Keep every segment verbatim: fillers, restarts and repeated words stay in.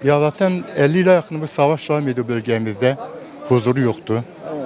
Ya zaten elli yıla yakın bir savaş devam ediyor bölgemizde. Huzuru yoktu.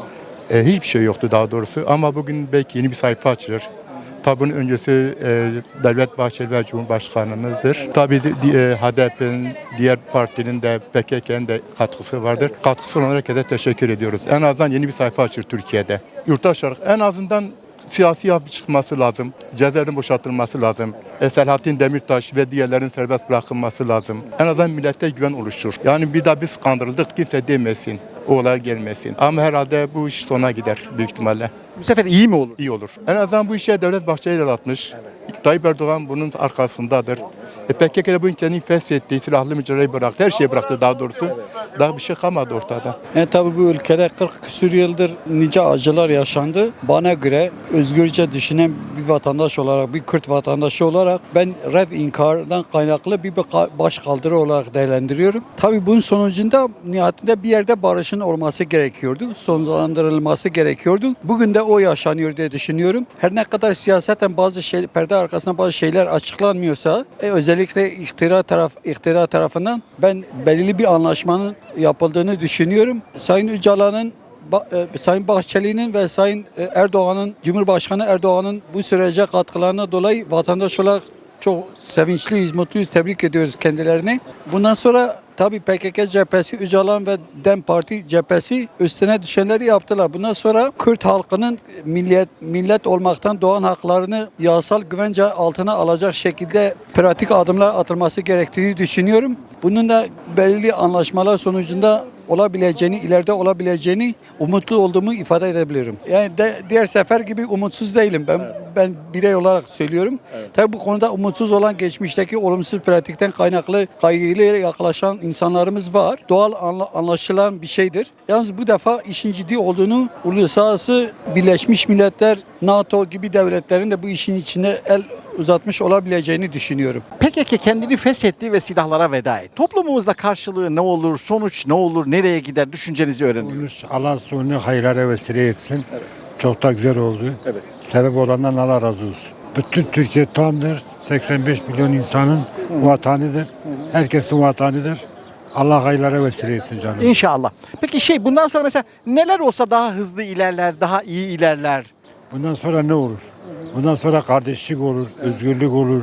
E, hiçbir şey yoktu daha doğrusu. Ama bugün belki yeni bir sayfa açılır. Tabi bunun öncesi e, Devlet Bahçeli ve Cumhurbaşkanımızdır. Tabii e, H D P'nin, diğer partinin de P K K'nin de katkısı vardır. Katkısı olan herkese teşekkür ediyoruz. En azından yeni bir sayfa açılır Türkiye'de. Yurttaş olarak en azından siyasi yapı çıkması lazım. Cezaevlerin boşaltılması lazım. E, Selahattin Demirtaş ve diğerlerin serbest bırakılması lazım. En azından millete güven oluşur. Yani bir daha biz kandırıldık kimse demesin. O olay gelmesin. Ama herhalde bu iş sona gider büyük ihtimalle. Bu sefer iyi mi olur? İyi olur. En azından bu işe Devlet Bahçeli el atmış. Evet. Tayyip Erdoğan bunun arkasındadır. E, P K K'de bu ülkenin feshettiği silahlı mücadeleyi bıraktı. Her şeyi bıraktı daha doğrusu. Daha bir şey kalmadı ortada. E tabi bu ülkede kırk küsur yıldır nice acılar yaşandı. Bana göre özgürce düşünen bir vatandaş olarak, bir Kürt vatandaşı olarak ben red inkardan kaynaklı bir başkaldırı olarak değerlendiriyorum. Tabi bunun sonucunda nihayetinde bir yerde barışın olması gerekiyordu. Sonlandırılması gerekiyordu. Bugün de o yaşanıyor diye düşünüyorum. Her ne kadar siyaseten bazı şey, perde arkasında bazı şeyler açıklanmıyorsa e, özellikle iktidar taraf iktidar tarafından ben belirli bir anlaşmanın yapıldığını düşünüyorum. Sayın Öcalan'ın, Sayın Bahçeli'nin ve Sayın Erdoğan'ın, Cumhurbaşkanı Erdoğan'ın bu sürece katkılarına dolayı vatandaş olarak çok sevinçliyiz, mutluyuz, tebrik ediyoruz kendilerini. Bundan sonra tabii P K K cephesi, Öcalan ve DEM Parti cephesi üstüne düşenleri yaptılar. Bundan sonra Kürt halkının millet millet olmaktan doğan haklarını yasal güvence altına alacak şekilde pratik adımlar atılması gerektiğini düşünüyorum. Bunun da belirli anlaşmalar sonucunda olabileceğini, ileride olabileceğini umutlu olduğumu ifade edebilirim. Yani de, diğer sefer gibi umutsuz değilim. Ben evet. ben birey olarak söylüyorum. Evet. Tabii bu konuda umutsuz olan geçmişteki olumsuz pratikten kaynaklı kaygıyla yaklaşan insanlarımız var. Doğal anla, anlaşılan bir şeydir. Yalnız bu defa işin ciddi olduğunu uluslararası Birleşmiş Milletler, NATO gibi devletlerin de bu işin içine el uzatmış olabileceğini düşünüyorum. P K K kendini feshetti ve silahlara veda etti. Toplumumuzda karşılığı ne olur, sonuç ne olur, nereye gider düşüncenizi öğreniyorum. Allah sonu hayırlara vesile etsin. Evet. Çok da güzel oldu. Evet. Sebep olandan Allah razı olsun. Bütün Türkiye tamdır. seksen beş milyon insanın Hı. vatanıdır. Hı. Herkesin vatanıdır. Allah hayırlara vesile etsin canım. İnşallah. Peki şey bundan sonra mesela neler olsa daha hızlı ilerler, daha iyi ilerler? Bundan sonra ne olur? Bundan sonra kardeşlik olur, özgürlük olur,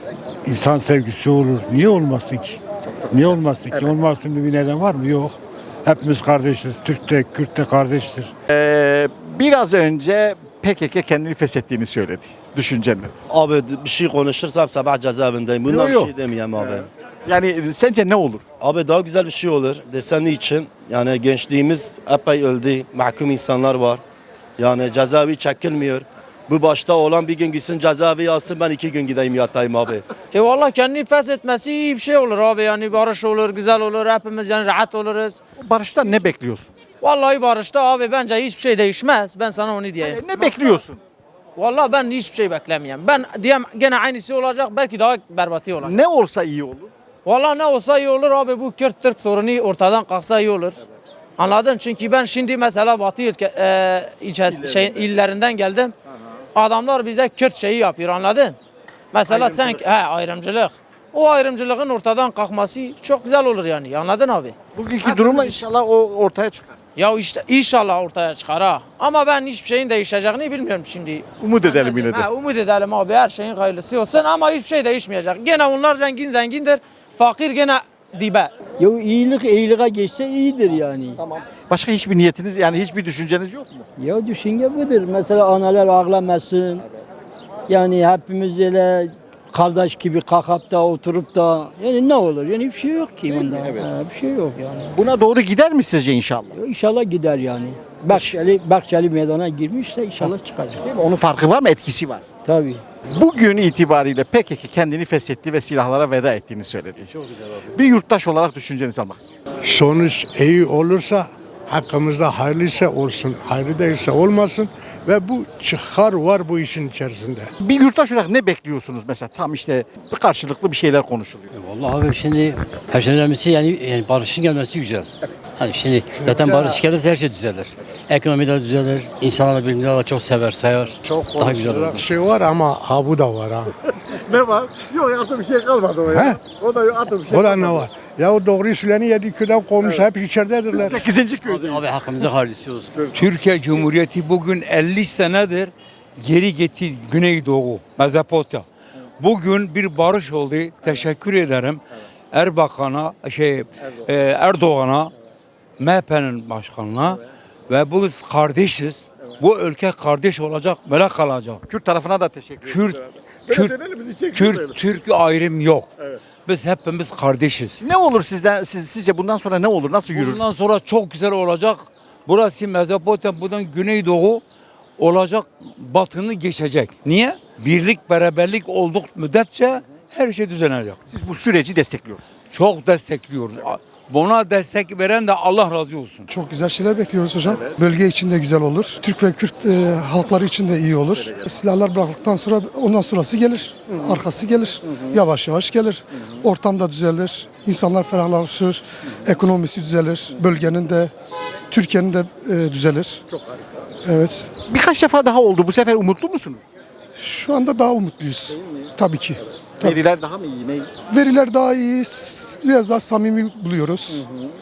insan sevgisi olur. Niye olmasın ki? Çok, çok Niye güzel. olmasın evet. ki? Olmasın bir neden var mı? Yok. Hepimiz kardeşiz. Türk de, Kürt de kardeştir. Ee, biraz önce P K K kendini feshettiğini söyledi. Düşüncen mi? Abi bir şey konuşursam sabah cezaevindeyim. Bundan bir şey demeyeyim abi. Evet. Yani sence ne olur? Abi daha güzel bir şey olur. Desen için yani gençliğimiz epey öldü. Mahkum insanlar var. Yani cezaevi çekilmiyor. Bu başta olan bir gün gitsin cezaevi yazsın, ben iki gün gideyim yatayım abi. E valla kendini feshetmesi iyi bir şey olur abi, yani barış olur, güzel olur, hepimiz yani rahat oluruz. Barıştan ne bekliyorsun? Vallahi barışta abi bence hiçbir şey değişmez, ben sana onu diyeyim. Yani ne bekliyorsun? Vallahi ben hiçbir şey beklemiyorum. Ben diyeyim gene aynısı olacak, belki daha berbatı olacak. Ne olsa iyi olur? Vallahi ne olsa iyi olur abi, bu Kürt-Türk sorunu ortadan kalksa iyi olur. Evet. Anladın? Çünkü ben şimdi mesela Batı ülke, e, ilçe, şey, illerinden geldim. Adamlar bize Kürt şeyi yapıyor, anladın? Mesela sen he ayrımcılık. O ayrımcılığın ortadan kalkması çok güzel olur yani. Anladın abi? Bugünkü durumla inşallah o ortaya çıkar. Ya işte inşallah ortaya çıkar ha. Ama ben hiçbir şeyin değişeceğini bilmiyorum şimdi. Umut edelim yine de. He, umut edelim abi, her şeyin hayırlısı olsun ama hiçbir şey değişmeyecek. Gene onlar zengin zengindir. Fakir gene dibe. Ya iyilik iyiliğe geçse iyidir yani. Tamam. Başka hiçbir niyetiniz yani hiçbir düşünceniz yok mu? Ya düşünce budur. Mesela analar ağlamasın. Evet. Yani hepimiz öyle kardeş gibi kalkıp da oturup da yani ne olur? Yani hiçbir şey yok ki bunda. Evet. Ha, bir şey yok yani. Buna doğru gider mi sizce inşallah? Ya inşallah gider yani. Bahçeli, Bahçeli meydana girmişse inşallah çıkacak. Değil mi? Onun farkı var mı? Etkisi var. Tabii. Bugün itibariyle P K K kendini feshetti ve silahlara veda ettiğini söyledi. Çok güzel abi. Bir yurttaş olarak düşüncenizi almak istiyorum. Sonuç iyi olursa, hakkımızda hayırlıysa olsun, hayırlı değilse olmasın ve bu çıkar var bu işin içerisinde. Bir yurttaş olarak ne bekliyorsunuz mesela? Tam işte bir karşılıklı bir şeyler konuşuluyor. Vallahi abi şimdi her şeyden önemlisi yani, yani barışın gelmesi güzel. Evet. Hani şimdi zaten barış gelirse her şey düzelir. Ekonomi de düzelir, insanlar birbirini çok sever, sayar. Çok daha güzel olur. Şey var ama ha bu da var ha. Ne var? Yok artık bir şey kalmadı o ya. He? O da yok artık bir şey. O da ne var? Ya o doğruyu söyleyeni yedi köyden kovmuş, hep içeridedirler. sekizinci Abi, köydeyiz. abi hakkımızı hayırlısı olsun. Türkiye Cumhuriyeti bugün elli senedir geri gitti Güneydoğu, Mezopotamya. Bugün bir barış oldu. Teşekkür ederim. Erbakan'a, şey e, Erdoğan'a, M H P'nin başkanına ve biz kardeşiz. Bu ülke kardeş olacak, böyle kalacak. Kürt tarafına da teşekkür Kürt, ederim. Kürt, Kürt, Türk ayrım yok. Biz hepimiz kardeşiz. Ne olur sizden siz, sizce bundan sonra ne olur? Nasıl yürür? Bundan sonra çok güzel olacak. Burası Mezopotamya, buradan Güneydoğu olacak, batını geçecek. Niye? Birlik, beraberlik olduk müddetçe her şey düzenecek. Siz bu süreci destekliyorsunuz. Çok destekliyoruz. Buna destek veren de Allah razı olsun. Çok güzel şeyler bekliyoruz hocam. Bölge için de güzel olur. Türk ve Kürt e, halkları için de iyi olur. Silahlar bıraktıktan sonra ondan sonrası gelir. Arkası gelir. Yavaş yavaş gelir. Ortam da düzelir. İnsanlar ferahlaşır. Ekonomisi düzelir. Bölgenin de Türkiye'nin de e, düzelir. Çok harika. Evet. Birkaç defa daha oldu. Bu sefer umutlu musunuz? Şu anda daha umutluyuz. Tabii ki. Tabii. Veriler daha mı iyi? Ne? Veriler daha iyi. Biraz daha samimi buluyoruz.